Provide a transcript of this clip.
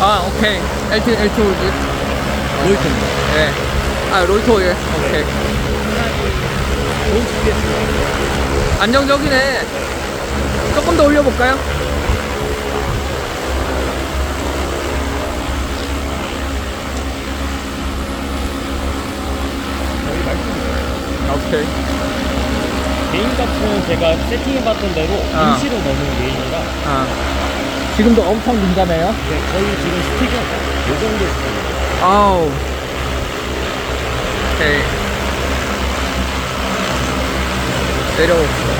아, 오케이. L2 홀드. 로이터입니다. 네. 아, 롤토, 예. 오케이. 좋은 GPS. 안정적이네. 조금 더 올려볼까요? 저희 말씀드려요. 오케이. 개인 값은 제가 세팅해봤던 대로 아. 임시로 넣는 개인이라 아. 지금도 엄청 민감해요? 네, 거의 지금 스틱은 이 정도 스틱입니다. 아우. 오케이. 내려봅시다.